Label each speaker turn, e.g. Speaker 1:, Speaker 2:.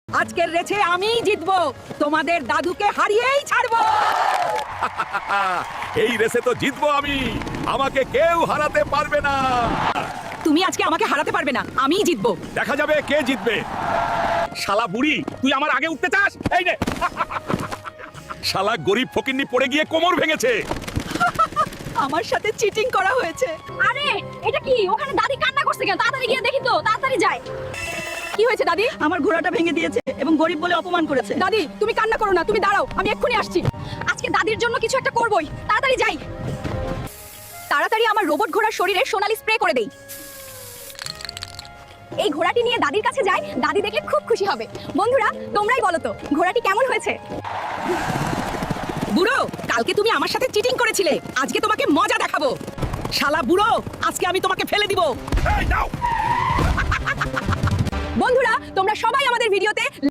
Speaker 1: আজকের রেছে আমিই জিতবো, তোমাদের দাদুকে হারিয়েই ছাড়বো।
Speaker 2: এই রেসে তো জিতবো আমি, আমাকে কেউ হারাতে পারবে না।
Speaker 1: তুমি আজকে আমাকে হারাতে পারবে না, আমিই জিতবো।
Speaker 2: দেখা যাবে কে জিতবে। শালা বুড়ি, তুই আমার আগে উঠতে চাস? এই নে। শালা গরিব ফকিন্নি পড়ে গিয়ে কোমর ভেঙেছে।
Speaker 1: আমার সাথে চিটিং করা হয়েছে।
Speaker 3: আরে এটা কি? ওখানে দাদি কান্না করছে কেন? তাড়াতাড়ি গিয়ে দেখি তো, তাড়াতাড়ি যাই। কি হয়েছে দাদি?
Speaker 1: আমার ঘোড়াটা ভেঙে দিয়েছে এবং গরিব বলে অপমান করেছে।
Speaker 3: দাদি তুমি কান্না করো না, তুমি দাঁড়াও, আমি এক্ষুনি আসছি। আজকে দাদির জন্য কিছু একটা করবই, তাড়াতাড়ি যাই। তাড়াতাড়ি আমার রোবট ঘোড়ার শরীরে সোনালি স্প্রে করে দেই। এই ঘোড়াটি নিয়ে দাদির কাছে যাই, দাদি দেখলে খুব খুশি হবে। বন্ধুরা তোমরাই বলো তো ঘোড়াটি কেমন হয়েছে?
Speaker 1: বুড়ো, কালকে তুমি আমার সাথে চিটিং করেছিলে, আজকে তোমাকে মজা দেখাবো। শালা বুড়ো, আজকে আমি তোমাকে ফেলে দিব।
Speaker 2: এই নাও।
Speaker 3: বন্ধুরা তোমরা সবাই আমাদের ভিডিওতে